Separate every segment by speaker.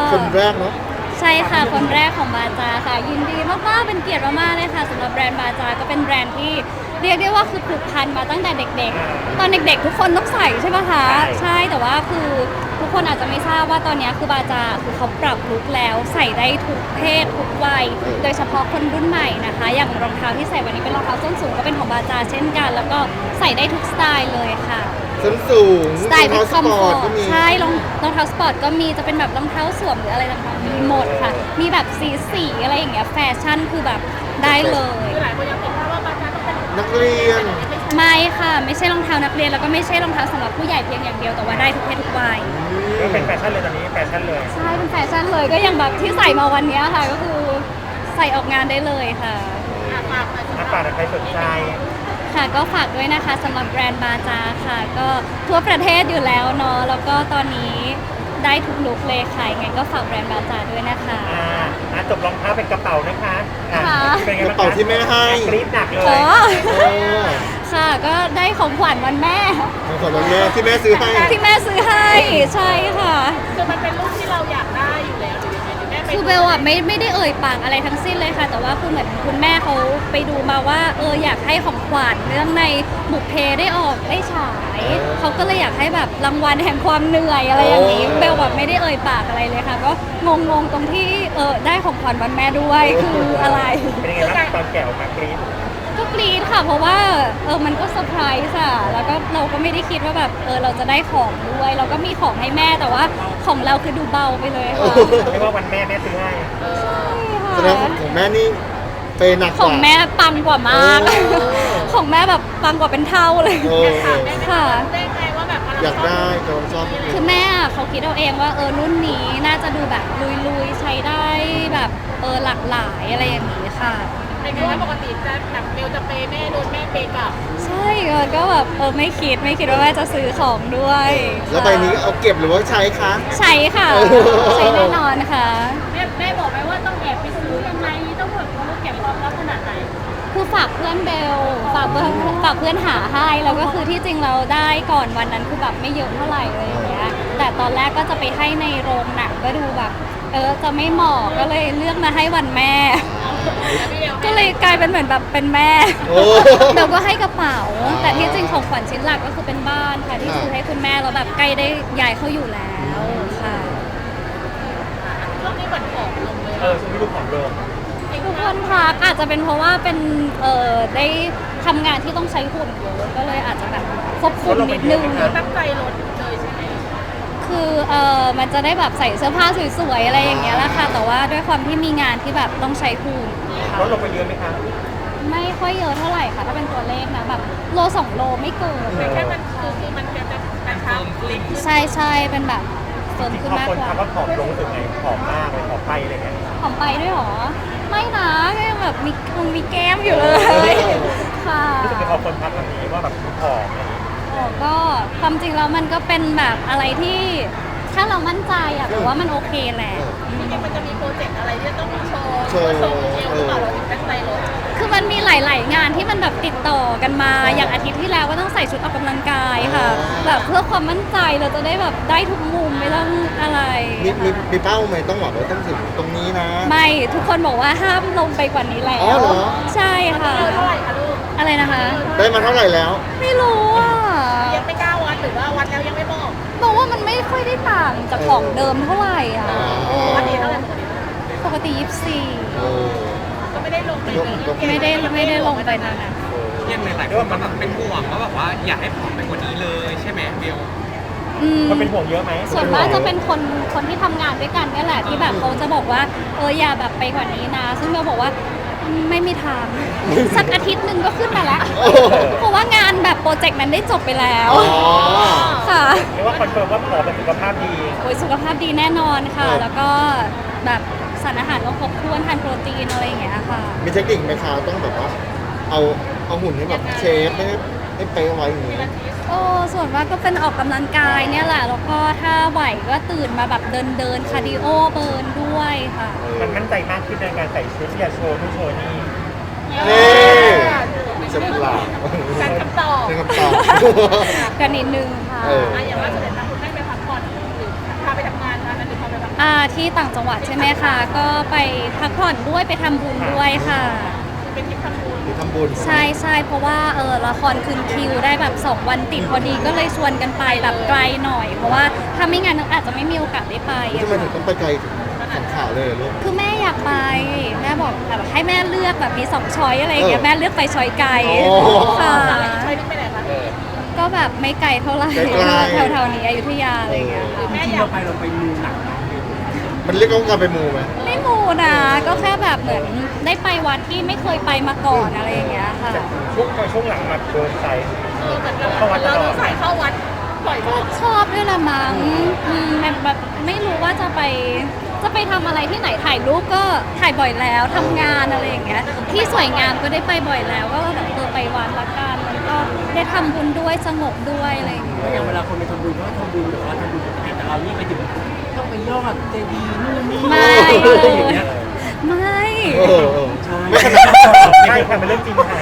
Speaker 1: คนแรกเนาะ
Speaker 2: ใช่ค่ะคนแรกของบาจาค่ะยินดีมากๆเป็นเกียรติมากๆเลยค่ะสำหรับแบรนด์บาจาก็เป็นแบรนด์ที่เรียกได้ว่าคือผูกพันมาตั้งแต่เด็กๆตอนเด็กๆทุกคนต้องใส่ใช่ไหมคะใช่แต่ว่าคือทุกคนอาจจะไม่ทราบว่าตอนนี้คือบาจาคือเขาปรับลุคแล้วใส่ได้ทุกเพศทุกวัยโดยเฉพาะคนรุ่นใหม่นะคะอย่างรองเท้าที่ใส่วันนี้เป็นรองเท้าส้นสูงก็เป็นของบาจาเช่นกันแล้วก็ใส่ได้ทุกสไตล์เลยค่ะ
Speaker 1: ส้นสูง
Speaker 2: สไตล์ที่คอมฟอร์ต
Speaker 1: ก็มี
Speaker 2: ใช่รองเท้าสปอร์ตก็มีจะเป็นแบบรองเท้าสวมหรืออะไรต่างๆมีหมดค่ะมีแบบสีอะไรอย่างเงี้ยแฟชั่นคือแบบได้เลย
Speaker 3: คือหลายคนยังติดภาพว่าบางการต้องเป็น
Speaker 1: นักเรียน
Speaker 2: ไม่ค่ะไม่ใช่รองเท้านักเรียนแล้วก็ไม่ใช่รองเท้าสำหรับผู้ใหญ่เพียงอย่างเดียวแต่ว่าได้ทุกเพศทุกวัย
Speaker 4: ก็เป็นแฟชั่นเลยตอนนี้แฟชั่นเลย
Speaker 2: ใช่เป็นแฟชั่นเลยก็อย่างแบบที่ใส่มาวันนี้ค่ะก็คือใส่ออกงานได้เลยค่ะ
Speaker 4: นักป่าใครสนใจ
Speaker 2: ค่ะก็ฝากด้วยนะคะสำหรับแบรนด์บาจาค่ะก็ทั่วประเทศอยู่แล้วเนาะแล้วก็ตอนนี้ได้ทุกลุคเลยค่ะยังไงก็ฝากแบรนด์บาจาด้วยนะคะ
Speaker 4: จบรองเท้าเป็นกระเป๋านะคะเป็นไง
Speaker 1: กระเป๋าที่แม่ให้
Speaker 4: กรี๊ดหนักเลย
Speaker 2: ค่ะก็ได้ของขวัญวันแม่
Speaker 1: ของขวัญวันแม่ที่แม่ซื้อให้
Speaker 2: ใช่ค่ะ
Speaker 3: คือมันเป็นรูปที่เราอยากได้อยู่แล้วหรือยังไงหรือแม่
Speaker 2: คือเบลอะไม่ได้เอ่ยปากอะไรทั้งสิ้นเลยค่ะแต่ว่าคือเหมือนคุณแม่เขาไปดูมาว่าอยากให้ของขวัญเรื่องในบุพเพได้ออกได้ฉายเขาก็เลยอยากให้แบบรางวัลแห่งความเหนื่อยอะไรอย่างนี้เบลแบบไม่ได้เอ่ยปากอะไรเลยค่ะก็งงตรงที่ได้ของขวัญวันแม่ด้วยคืออะไร
Speaker 4: เป็นยังไงบ้างตอนแกะออกมากรี๊ด
Speaker 2: ก็กรี๊ดค่ะเพราะว่ามันก็เซอร์ไพรส์อะแล้วก็เราก็ไม่ได้คิดว่าแบบเราจะได้ของด้วยเราก็มีของให้แม่แต่ว่าของเราคือดูเบาไปเลยค่ะ
Speaker 4: เรียกว่าวันแม่ซื้อให้
Speaker 1: แสดงของแม่นี่เปหนักกว่า
Speaker 2: ของแม่ปังกว่ามากของแม่แบบปังกว่าเป็นเท่าเลย
Speaker 3: ค่ะได้ไงว่าแบบ
Speaker 1: อยากได้แต่ชอบ
Speaker 2: คือแม่เขาคิดเอาเองว่ารุ่นนี้น่าจะดูแบบลุยๆใช้ได้แบบหลากหลายอะไรอย่างนี้ค่ะ
Speaker 3: เป็นไงว่าปกติจะแบบเบลจะเปย์แม่โดนแม่เปย์กลับ
Speaker 2: ใช่ก็แบบไม่คิดว่าแม่จะซื้อของด้วย
Speaker 1: แล้วใบนี้เอาเก็บหรือว่าใช้คะ
Speaker 2: ใช้ค่ะใช้แน่นอนค่ะ
Speaker 3: แม่บอกไหมว่าต้องแอบไปซื้อยังไงต้องแบบเก็บความลับขนาดไหน
Speaker 2: คือฝากเพื่อนเบลฝากเพื่อนหาให้แล้วก็คือที่จริงเราได้ก่อนวันนั้นคือแบบไม่เยอะเท่าไหร่เลยอย่างเงี้ยแต่ตอนแรกก็จะไปให้ในโรงหนังก็ดูแบบจะไม่เหมาะก็เลยเลือกมาให้วันแม่ก็เลยกลายเป็นเหมือนแบบเป็นแม่เราก็ให้กระเป๋าแต่ที่จริงของขวัญชิ้นหลักก็คือเป็นบ้านค่ะที่ซื้อให้คุณแม่แล้วแบบใกล้ได้ย้ายเข้าอยู่แล้วค่ะ
Speaker 3: ช่วงนี้เหมือนผอมลงเลย
Speaker 4: ช่วงนี้ดูผอมลง
Speaker 2: ทุกคนทักอาจจะเป็นเพราะว่าเป็นได้ทำงานที่ต้องใช้หุ่นเยอะก็เลยอาจจะแบบควบคุมนิดนึง
Speaker 3: ตั้งใจลดเลยใช่ไหม
Speaker 2: คือมันจะได้แบบใส่เสื้อผ้าสวยๆอะไรอย่างเงี้ยแหละค่ะแต่ว่าด้วยความที่มีงานที่แบบต้องใช้หุ่น
Speaker 4: ลดลงไปเยอะไหมคะ
Speaker 2: ไม่ค่อยเยอะเท่าไหร่ค่ะถ้าเป็นตัวเลขนะแบบโล2 โลไม่เกิน
Speaker 3: แค่มันคือมันจะกระชับ
Speaker 2: ใช่เป็นแบบเฟิร์มขึ้นมากกว่า
Speaker 4: คนทักว่าผอมลงรู้สึกไงผอมมากเลยผอมไปอะไรเงี้ย
Speaker 2: ผอมไปด้วยหรอไม่นะก็ยังแบบมีแก้มอยู่เลยค่ะ
Speaker 4: รู้สึกพอคนทักแบบนี้ว่าแบบผอมอะไรอย่างเงี้ย
Speaker 2: ก็ความจริงแล้วมันก็เป็นแบบอะไรที่ถ้าเรามั่นใจอะแต่ว่ามันโอเคแหละ
Speaker 3: จริงๆมันจะมีโปรเจกต์อะไรที่ต้องโชว์เอวหรือเปล่าเราถึงตั้งใจลด
Speaker 2: คือมันมีหลายๆงานที่มันแบบติดต่อกันมาอย่างอาทิตย์ที่แล้วก็ต้องใส่ชุดออกกำลังกายค่ะแบบเพื่อความมั่นใจเราจะได้แบบได้ทุกมุมไม่ต้องอะไร
Speaker 1: มีเป้าไหมต้องบอกว่าต้องถึงตรงนี้นะ
Speaker 2: ไม่ทุกคนบอกว่าห้ามลงไปกว่านี้แล้วใช่ค่ะ
Speaker 3: เท่าไหร่คะลูก
Speaker 2: อะไรนะคะ
Speaker 1: ได้มาเท่าไหร่แล้ว
Speaker 2: ไม่รู้อ่ะ
Speaker 3: ยังไม่กล้าวัดหรือว่าวัดแล้วยังไม่
Speaker 2: บอกว่ามันไม่ค่อยได้ต่างจากของเดิมเท่าไหร่อ่ะ
Speaker 3: ปกติเท่าไหร่
Speaker 2: ปกติ24
Speaker 3: ก็ไม่ได้ลงไป
Speaker 2: ไม่ได้ลงไปนานนะ
Speaker 5: ยังหลายๆคนมันแบบเป็นห่วงว่าแบบว่าอยากให้ผอมไปกว่านี้เลยใช่ไหมเบล
Speaker 4: มันเป็นห่วงเยอะไหม
Speaker 2: ส่วนมากจะเป็นคนที่ทำงานด้วยกันนี่แหละที่แบบเขาจะบอกว่าอย่าแบบไปกว่านี้นะซึ่งเราบอกว่าไม่มีทางสักอาทิตย์หนึ่งก็ขึ้นมาแล้วเพราะว่างานแบบโปรเจกต์นั้นได้จบไปแล้วค่ะ
Speaker 4: เรียกว่าคอนเฟิร์มว่าผอมเป็นสุขภาพดี
Speaker 2: สุขภาพดีแน่นอนค่ะแล้วก็แบบสารอาหารก็ครบถ้วนทานโปรตีนอะไรอย่างเงี้ยค่ะ
Speaker 1: มีเทคนิคไหมคะต้องแบบว่าเอาหุ่นให้แบบเชฟให้เป๊ะไว้อย่างนี้
Speaker 2: ส่วนมากก็เป็นออกกำลังกายเนี่ยแหละแล้วก็ถ้าไหวก็ตื่นมาแบบเดินคาร์ดิโอเบิร์นด้วยค่ะ
Speaker 4: มันมั่นใจมากขึ้นในการใส่ชุดที่จะโชว์นู่นโชว์นี่
Speaker 1: นี่จะปลา
Speaker 3: การคำตอบ
Speaker 2: กันนิดนึงค่ะ
Speaker 3: อย่างว่าจะเป็นทางคุณแม่ไปพักผ่อนหรือพาไปทำงานนั้นหรือพาไปพัก
Speaker 2: ที่ต่างจังหวัดใช่ไหมคะก็ไปพักผ่อนด้วยไปทำบุญด้วยค่ะ
Speaker 3: เป็นทริปทำบุญ
Speaker 1: หรือทำบุญ
Speaker 2: ใช่เพราะว่าละครคืนคิวได้แบบ2 วันติดพอดีก็เลยชวนกันไปแบบไกลหน่อย เพราะว่าถ้าไม่งั้นอาจจะไม่มีโอกาสได้ไป
Speaker 1: ทำไมถึงต้องไปไกลถึงสังขารเลยเหรอลูก
Speaker 2: คือแม่อยากไปแม่บอกแบบให้แม่เลือกแบบมี2 ช้อยอะไรอย่างเงี้ยแม่เลือกไปช้อยไกล
Speaker 1: โอ้
Speaker 2: ค่ะ
Speaker 3: ใช่นี่ไปไหนคะ
Speaker 2: ก็แบบไม่ไกลเท่าไหร่
Speaker 1: ไกลๆ
Speaker 2: แถวๆนี้อยุธยาอะไรอย่างเงี้ยค่ะ
Speaker 3: แม่
Speaker 4: ที่
Speaker 3: อยาก
Speaker 4: เราไปมูหนักเนาะ
Speaker 1: มันเรียกว่าการไปมูไหม
Speaker 2: ไม่มูนะก็แค่แบบเหมือนได้ไปวัดที่ไม่เคยไปมาก่อนอะไรอย่างเงี้ยค่ะ
Speaker 4: ช่วงหลังมาโดนใจ
Speaker 3: เหมือนเราดูสายเข้าวัดบ่อยมาก
Speaker 2: ชอบด้วยละมั้งแบบไม่รู้ว่าจะไปทำอะไรที่ไหนถ่ายรูปก็ถ่ายบ่อยแล้วทำงานอะไรอย่างเงี้ยที่สวยงามก็ได้ไปบ่อยแล้วก็แบบไปวัดละกันมันก็ได้ทำบุญด้วยสงบด้วยอะไรอย่างเงี้ย
Speaker 4: อย่างเวลาคนไปทำบุญก็ทำบุญหรือว่าทำบุญปกติแต่เรานี่ไปถึงต้องไปยอดเจดีย์นู่นนี่
Speaker 2: ไม่
Speaker 4: อะไรอย่างเงี้ย
Speaker 2: ไม่
Speaker 1: เออ
Speaker 4: ไม่ขนาดใช่ค่ะเป็นเรื่องจริงค่ะ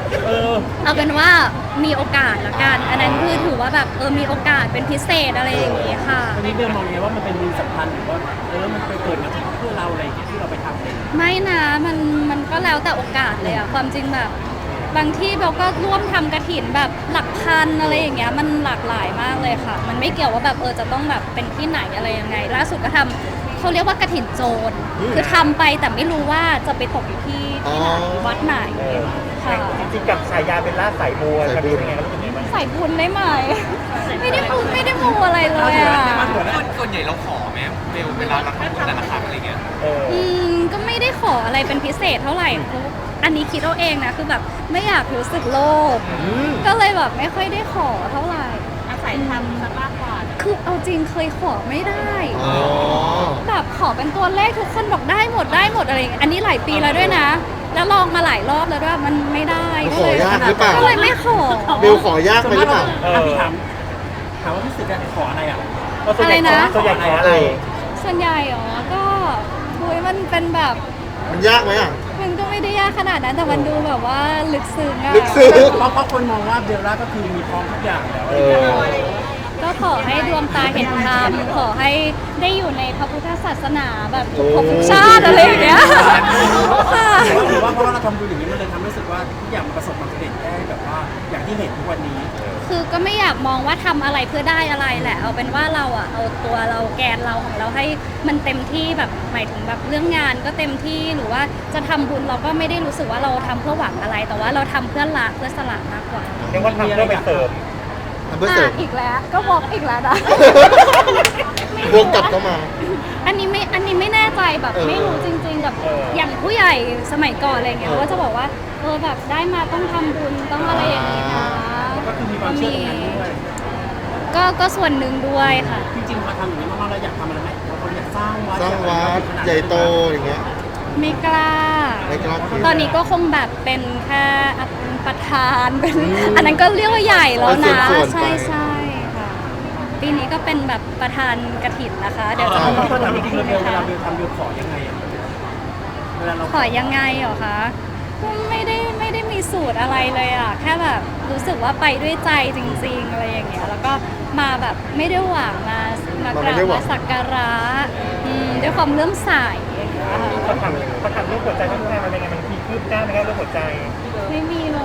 Speaker 2: เอาเป็นว่ามีโอกาสละกันอันนั้นคือถือว่าแบบมีโอกาสเป็นพิเศษอะไรอย่างงี้ค่ะ
Speaker 4: ตอนนี้เบลมองไงว่ามันเป็นมีสัมพันธ์หรือว่ามันไปเกิดมาจากเพื่อเราอะไรอย่างเงี้ยที่เราไปทำเอง
Speaker 2: ไม่นะมันก็แล้วแต่โอกาสเลยอะความจริงแบบบางที่เราก็ร่วมทำกระถินแบบหลักพันอะไรอย่างเงี้ยมันหลากหลายมากเลยค่ะ มันไม่เกี่ยวว่าแบบจะต้องแบบเป็นที่ไหนอะไรยังไง ล่าสุดก็ทำเขาเรียกว่ากระถินโจรคือทำไปแต่ไม่รู้ว่าจะไปตกอยู่ที่ไหนวัดไหนค่ะ
Speaker 4: จริงๆกับฉายาเป็นล่าสายบัวจะเป็นยังไงครับคุณแม่
Speaker 2: ใส่บุญได้ไหมไม่ได้มูอะไรเลยอะ
Speaker 5: ส่วนใหญ่เราขอไหมเบลเวลาเราทำบุญแต่ละครั้งอะไรเงี้ย
Speaker 2: ก็ไม่ได้ขออะไรเป็นพิเศษเท่าไหร่เพราะอันนี้คิดเอาเองนะคือแบบไม่อยากรู้สึกโลภก็เลยแบบไม่ค่อยได้ขอเท่าไหร่
Speaker 3: อาศัยทำซะมากกว่า
Speaker 2: คือเอาจริงเคยขอไม่ได้
Speaker 1: อ๋อ
Speaker 2: แบบขอเป็นตัวเลขทุกคนบอกได้หมดอะไรอย่างเงี้ยอันนี้หลายปีแล้วด้วยนะ แล้วลองมาหลายรอบแล้วด้วยมันไม่ได้
Speaker 1: ขอยากหรือเปล่า
Speaker 2: ก็เลยไม่ขอ
Speaker 1: เบลขอยากไปหรือเปล่า
Speaker 4: พี่ถามว่าพี่สึกจะขออะไรอ่ะ
Speaker 2: อะไรนะ
Speaker 4: ส่วนใหญ่ขออะไร
Speaker 2: ส่วนใหญ่อ๋อก็คุยมันเป็นแบบ
Speaker 1: มันยากไหมอ่ะ
Speaker 2: มันก็ไม่ได้ยากขนาดนั้นแต่มันดูแบบว่าลึกซึ้งอะ
Speaker 1: ลึกซึ้ง
Speaker 4: เพราะคนมองว่าเบลล่าก็คือมีพร้อมทุกอย่างแล้ว
Speaker 1: เออ
Speaker 2: ก็ขอให้ดวงตาเห็นธรรมขอให้ได้อยู่ในพระพุทธศาสนาแบบทุกภพทุกชาติอะไรอย่างเงี้ยค่ะ
Speaker 4: หรือว่าเพราะว่าเราทำบุญอย่างนี้มันเลยทำให้รู้สึกว่าทุกอย่างมันประสบความสำเร็จได้แบบว่าอย่างที่เห็นทุกวันนี้
Speaker 2: คือก็ไม่อยากมองว่าทำอะไรเพื่อได้อะไรแหละ เอาเป็นว่าเราอะเอาตัวเราแกนเราของเราให้มันเต็มที่แบบหมายถึงแบบเรื่องงานก็เต็มที่หรือว่าจะทำบุญเราก็ไม่ได้รู้สึกว่าเราทำเพื่อหวังอะไร แต่ว่าเราทำเพื่อละเพื่อสละมากกว่า
Speaker 4: เรียกว่าทำเพื่อไปเสริม
Speaker 1: ทำเพื่อเสริม
Speaker 2: อีกแล้วก็บอกอีกแล้วนะ
Speaker 1: บวกกลับเข้ามา
Speaker 2: อันนี้ไม่แน่ใจแบบ
Speaker 1: เออ
Speaker 2: ไม่รู้จริง ๆ แบบอย่างผู้ใหญ่สมัยก่อนอะไรเงี้ยก็จะบอกว่าแบบได้มาต้องทำบุญต้องอะไรอย่างนี้นะ
Speaker 4: ก็คือมีความเชื่อตรงนั้นด้วย
Speaker 2: ก็ส่วนหนึ่งด้วยค่ะ
Speaker 4: จริงๆพอทำอย่างนี้มากๆเราอยากทำอะไรไหมบางคนอยากสร้างวัด
Speaker 1: สร้างวัดใหญ่โตอย่างเงี้ย
Speaker 2: ไม่กล้า
Speaker 1: ไม่กล้าคิด
Speaker 2: ตอนนี้ก็คงแบบเป็นแค่ประธานเป็นอันนั้นก็เรียกว่าใหญ่แล้วนะ
Speaker 1: เป็นส่วนๆไป
Speaker 2: ใช่ค่ะ ปีนี้ก็เป็นแบบประธานกฐินนะคะ เดี๋ยวจะ
Speaker 1: อ๋อ
Speaker 2: มา
Speaker 4: ตอน
Speaker 2: ทำ
Speaker 4: จ
Speaker 2: พิ
Speaker 4: ริง
Speaker 2: ธี
Speaker 4: ๆเว
Speaker 2: นะ
Speaker 4: ลา
Speaker 2: คะ
Speaker 4: เบลทำเบลขอยังไงอ่ะเวลาเรา
Speaker 2: ขอยังไงเหรอคะก็ไม่ได้มีสูตรอะไรเลยอ่ะ แค่แบบรู้สึกว่าไปด้วยใจจริงๆอะไรอย่างเงี้ย แล้วก็มาแบบไม่ได้หวังมากราบมาสักการะด้วยความเลื่อมใสอย่างเงี้ยค่ะ
Speaker 4: เขาทำเรื่องหัวใจต้องทำอะไรไงมันมีคืบหน้าไหมครับเรื่องหัวใจ
Speaker 2: ไม่มีเลย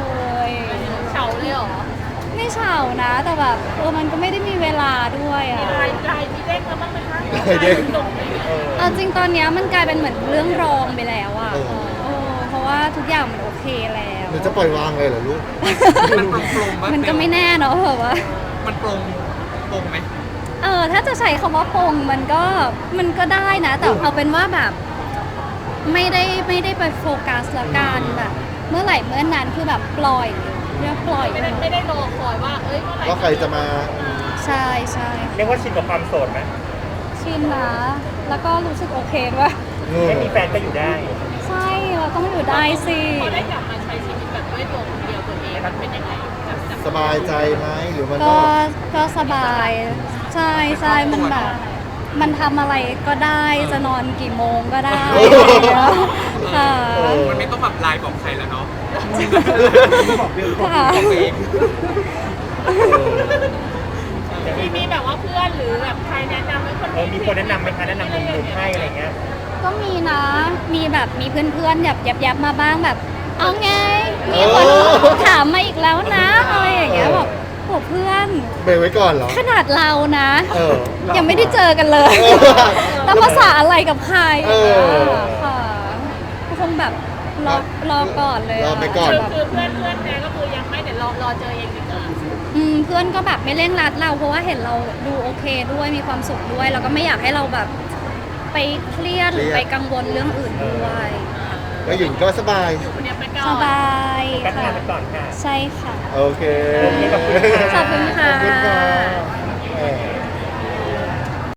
Speaker 3: เฉาเลยเหรอ
Speaker 2: ไม่เฉานะ แต่แบบมันก็ไม่ได้มีเวลาด้วยอ่ะ
Speaker 3: ลายมีเด้งแล้วบ้างไหมคะ
Speaker 1: เด้ง
Speaker 3: หนุ่มไหม
Speaker 2: เอาจริงตอนเนี้ยมันกลายเป็นเหมือนเรื่องรองไปแล้วอ่ะ
Speaker 1: เออ
Speaker 2: เพราะว่าทุกอย่างมันโอเคแล้ว
Speaker 1: หรือจะปล่อยวางเลยเหรอลูก
Speaker 5: มันโปร่งๆ
Speaker 2: มันก็ไม่แน่เนาะแบบว่า
Speaker 5: มันโปร่งไหม
Speaker 2: ถ้าจะใช้คำว่าปงมันก็ได้นะ แต่เอาเป็นว่าแบบ ไม่ได้ไปโฟกัสละกันแบบ เมื่อไหร่เมื่อนั้นคือแบบปล่อยเรียกปล่อย
Speaker 3: ไม่ได้รอคอยว่าเอ้ยเมื่อไหร่
Speaker 1: ว่าใครจะมา
Speaker 2: ใช่ใช่
Speaker 4: เรียกว่าชินกับความโสดไหม
Speaker 2: ชินนะแล้วก็รู้สึกโอเคด้วย
Speaker 4: ไม่มีแฟนก็อยู่ได้
Speaker 2: ใช่เราต้องอยู่ได้สิ
Speaker 3: พอได้กลับมาใช้ชีวิตแบบด้วยตัวคนเดียวตัวเองมันเป็นยังไงจาก
Speaker 1: สบายใจไหมหรือมัน
Speaker 2: ก็สบาย ใช่ใช่มันแบบ มันทำอะไรก็ได้จะนอนกี่โมงก็ได้ค่ะ
Speaker 5: มันไม่ต้องแบบไลน์บอกใครแล้วเนาะ
Speaker 2: ค่ะ
Speaker 5: บอกเอง
Speaker 3: มีมีแบบว่าเพื่อนหรือแบบใครแนะนำให้คน
Speaker 4: มีคนแนะนำไหมคะแนะนำหนุ่มๆให้อะไรเงี้ย
Speaker 2: ก็มีนะ มีแบบมีเพื่อนๆแบบยับๆมาบ้างแบบ เอาไง มีคนถามมาอีกแล้วนะอะไรอย่างเงี้ยบอกโหเพื่อน
Speaker 1: เบรกไว้ก่อนเหรอ
Speaker 2: ขนาดเรานะ
Speaker 1: เออ
Speaker 2: ยังไม่ได้เจอกันเลย
Speaker 1: เออ
Speaker 2: แล้วภาษาอะไรกับใคร
Speaker 1: เออ
Speaker 2: ค่ะก็คงแบบรอก่อนเลย
Speaker 1: รอไปก่อน
Speaker 2: แบบ
Speaker 3: คือเพื่อนเนี่ยก็คือยังไม่เดี๋ยวรอเจอเองดีกว่า
Speaker 2: เพื่อนก็แบบไม่เร่งรัดเราเพราะว่าเห็นเราดูโอเคด้วยมีความสุขด้วย แล้วก็ไม่อยากให้เราแบบไปเครียดหรือไปกังวลเรื่องอื่นด้วย
Speaker 1: ก็หญิงก็สบาย
Speaker 3: คนเนี้ยไปก่
Speaker 2: ส
Speaker 3: อน
Speaker 2: บาย
Speaker 4: แป๊บ
Speaker 2: ค่ะ
Speaker 4: งานไปก่อนค่ะ
Speaker 2: ใช่ค่ะ
Speaker 1: โอเค
Speaker 4: ขอบคุณค่ะ
Speaker 2: ขอบคุณค่ะ
Speaker 1: ขอบคุณค่ะ